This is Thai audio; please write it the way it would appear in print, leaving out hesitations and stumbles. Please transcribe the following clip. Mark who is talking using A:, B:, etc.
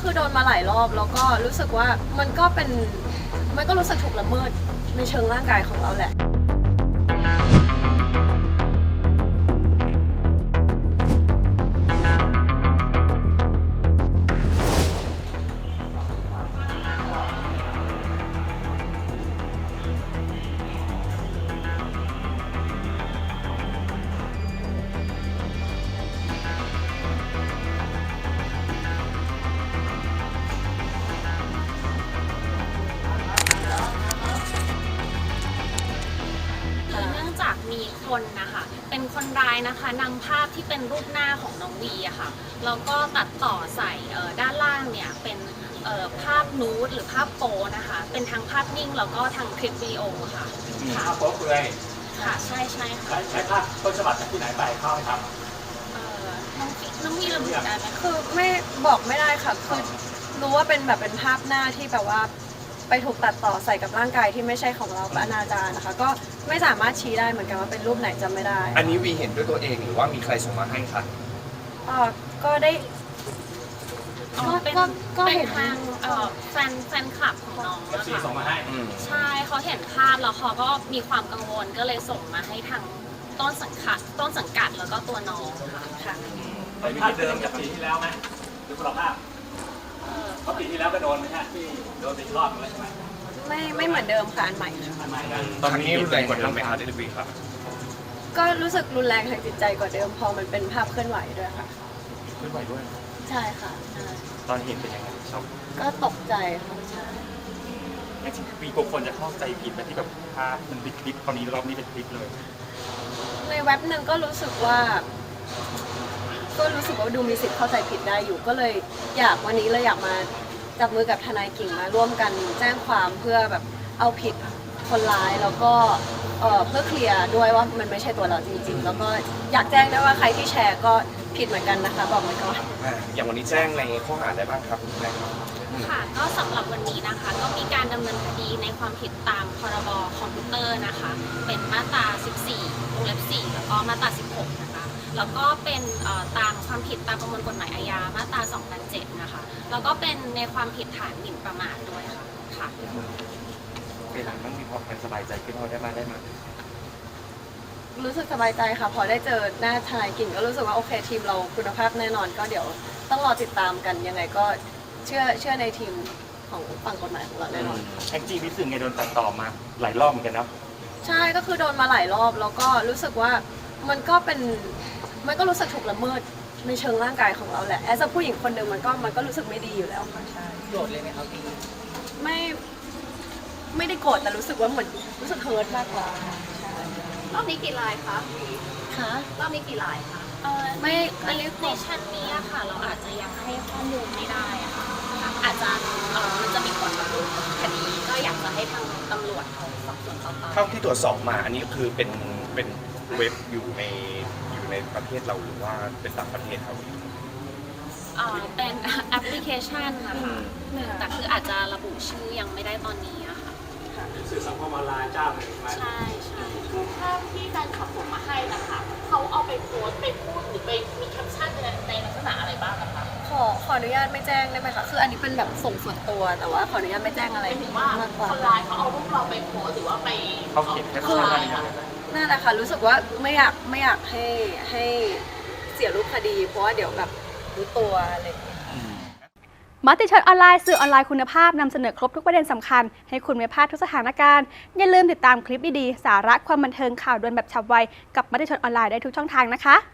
A: คือโดนมาหลายรอบแล้วก็รู้สึกว่ามันก็รู้สึกถูกละเมิดในเชิงร่างกายของเราแหละ
B: มีคนนะคะเป็นคนร้ายนะคะนำภาพที่เป็นรูปหน้าของน้องวีอะค่ะแล้วก็ตัดต่อใส่ด้านล่างเนี่ยเป็นภาพนูดหรือภาพโป๊นะคะเป็นทั้งภาพนิ่งแล้วก็ทั้งคลิปวิดีโอค่ะ
C: ภาพโป๊เลย
B: ค่ะใช่ค่ะ
C: ใช้ภาพต้นฉบับจากที่ไหนไปเข้าไหมครับ
B: น้องวีระบุได้ไหม
A: คือไม่บอกไม่ได้ค่ะคือรู้ว่าเป็นแบบเป็นภาพหน้าที่แบบว่าไปถูกตัดต่อใส่กับร่างกายที่ไม่ใช่ของเราอนาจารนะคะก็ไม่สามารถชี้ได้เหมือนกันว่าเป็นรูปไหนจำไม่ได้
D: อันนี้วีเห็นด้วยตัวเองหรือว่ามีใครส่งมาให้คะ
A: ก็ได้
B: ก็เห็นทางแฟนคลับของน้อง
C: นะคะส่งมาให้
B: ใช่เขาเห็นภาพแล้วเขาก็มีความกังวลก็เลยส่งมาให้ทางต้นสังกัดแล้วก็ตัวน้องค่ะ
C: เป็นภาพเดิมจากปีที่แล้วไหมหรือคนละภาพเพราะปีที่แล้วก็โดนไหมฮะที่โดนไปรอบนึงแล้วใช่ไหม
A: ไม่เหมือนเดิมค่ะอันใหม่ค่ะ
D: ตอนนี้รุนแรงกว่าเดิมไหมคะเดลิวีครับ
A: ก็รู้สึกรุนแรงทางจิตใจกว่าเดิมพอมันเป็นภาพเคลื่อนไหวด้วยค่ะ
D: เคลื่อนไหวด้วย
A: ใช่ค่ะ
D: ตอนเห็นเป็นยังไงชอบ
A: ก็ตกใจค่ะใช่
D: จริงๆมีกลัวคนจะเข้าใจผิดแบบที่แบบภาพมันเป็นคลิปตอนนี้รอบนี้เป็นคลิปเลย
A: ในเว็บหนึ่งก็รู้สึกว่าดูมีสิทธิ์เข้าใจผิดได้อยู่ก็เลยวันนี้เลยอยากมาจับมือกับทนายกิ่งมาร่วมกันแจ้งความเพื่อแบบเอาผิดคนร้ายแล้วก็เพื่อเคลียร์ด้วยว่ามันไม่ใช่ตัวเราจริงๆแล้วก็อยากแจ้งด้วยว่าใครที่แชร์ก็ผิดเหมือนกันนะคะบอกไว้ก่อน
D: อย่างวันนี้แจ้งในข้อหาอะไรบ้างครับคุณแม่
B: ค่ะก็สำหรับวันนี้นะคะก็มีการดำเนินคดีในความผิดตามพรบคอมพิวเตอร์นะคะเป็นมาตรา 14 วงเล็บ 4 แล้วก็มาตรา 16 นะคะแล้วก็เป็นตามความผิดตามประมวลกฎหมายอาญามาตรา 2007 นะคะแล้วก็เป็นในความผิดฐานหมิ่นประมาทด้วยค่ะ
D: เวลาต้องมีความสบายใจขึ้นพอได้มา
A: รู้สึกสบายใจค่ะพอได้เจอหน้าทนายกิ่งก็รู้สึกว่าโอเคทีมเราคุณภาพแน่นอนก็เดี๋ยวต้องรอติดตามกันยังไงก็เชื่อในทีมของฝั่งกฎหมายของเราแน่นอน
D: แองจี้รู้สึกไงโดนตัดต่อมาหลายรอบเหมือนกันนะ
A: ใช่ก็คือโดนมาหลายรอบแล้วก็รู้สึกว่ามันก็รู้สึกถูกละเมิดในเชิงร่างกายของเราแหละแอสผู้หญิงคนหนึ่งมันก็รู้สึกไม่ดีอยู่แล้วค่ะใช่
E: โกรธเลยไหมครับพี่
A: ไม่ได้โกรธแต่รู้สึกว่าเหมือนรู้สึกเฮิร์ตมากกว่าร
B: อบนี้กี่ลายคะรอบนี้กี่ลายคะ
A: ไม่อันนี้
B: ในชั้นนี้ค่ะเราอาจจะยังให้ข้อมูลไม่ได้อะค่ะอาจจะมันจะมีผลกับรูปคดีก็อยากจะให้ทางตำรวจเขาสอบสวนต่อไป
D: เท่าที่ตรวจสอบมาอันนี้คือเป็นเว็บอยู่ในประเทศเราหรือว่าเป็นต่างประเทศครับ
B: เป็นแอปพลิเคชันนะคะแต่คืออาจจะระบุชื่อยังไม่ได้ตอนนี้อะค่ะ
C: สื่อสังคมออนไลน์เจ้าหนึ่ง
B: ใช่
F: คือภาพที่แฟนคลับส่งมาให้นะคะเขาเอาไปโพสต์ไปพูดหรือไปมีแคปชั่นในลักษณะอะไรบ้างนะคะ
A: ขออนุญาตไม่แจ้งได้ไหมคะคืออันนี้เป็นแบบส่วนตัวแต่ว่าขออนุญาตไม่แจ้งอะไร
F: มากกว่าคนร้ายเขาเอารูปเราไปโพสต์หรือว่าไป
D: เขาเขียนแคปชั่นอะไร
A: นั่นแหละค่ะรู้สึกว่าไม่อยากให้เสียรูปคดีเพราะว่าเดี๋ยวแบบรู้ตัวอะไร
G: มติชนออนไลน์สื่อออนไลน์คุณภาพนำเสนอครบทุกประเด็นสำคัญให้คุณไม่พลาดทุกสถานการณ์อย่าลืมติดตามคลิปดีๆสาระความบันเทิงข่าวด่วนแบบฉับไวกับมติชนออนไลน์ได้ทุกช่องทางนะคะ